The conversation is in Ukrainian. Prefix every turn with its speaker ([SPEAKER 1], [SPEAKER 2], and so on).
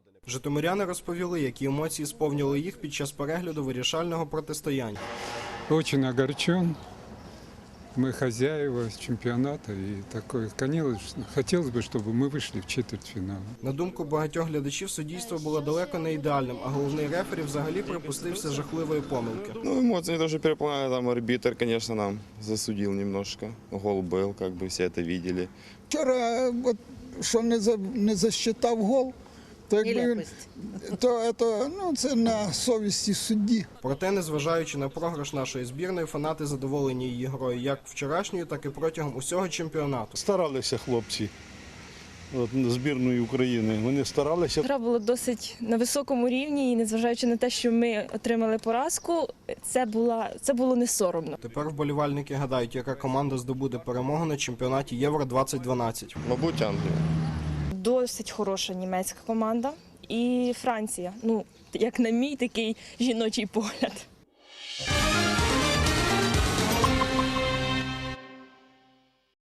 [SPEAKER 1] Житомиряни розповіли, які емоції сповнили їх під час перегляду вирішального протистояння.
[SPEAKER 2] Очень огорчен. Мы хозяева чемпионата, и такое, конечно, хотелось бы, чтобы мы вышли в четвертьфинал.
[SPEAKER 1] На думку багатьох глядачів, суддівство було далеко не ідеальним, а головний рефері взагалі припустився жахливої помилки.
[SPEAKER 3] Ну, эмоции тоже переполняли, там арбитр, конечно, нам засудил немножко. Гол был, как бы все это видели.
[SPEAKER 4] Вчора, от, що не засчитав гол, то якби це на совісті судді.
[SPEAKER 1] Проте, незважаючи на програш нашої збірної, фанати задоволені її грою як вчорашньою, так і протягом усього чемпіонату.
[SPEAKER 5] Старалися хлопці збірної України, вони старалися.
[SPEAKER 6] Гра була досить на високому рівні і незважаючи на те, що ми отримали поразку, це було не соромно.
[SPEAKER 1] Тепер вболівальники гадають, яка команда здобуде перемогу на чемпіонаті Євро-2012.
[SPEAKER 3] Мабуть, Англия.
[SPEAKER 6] Досить хороша німецька команда і Франція. Ну, як на мій такий жіночий погляд.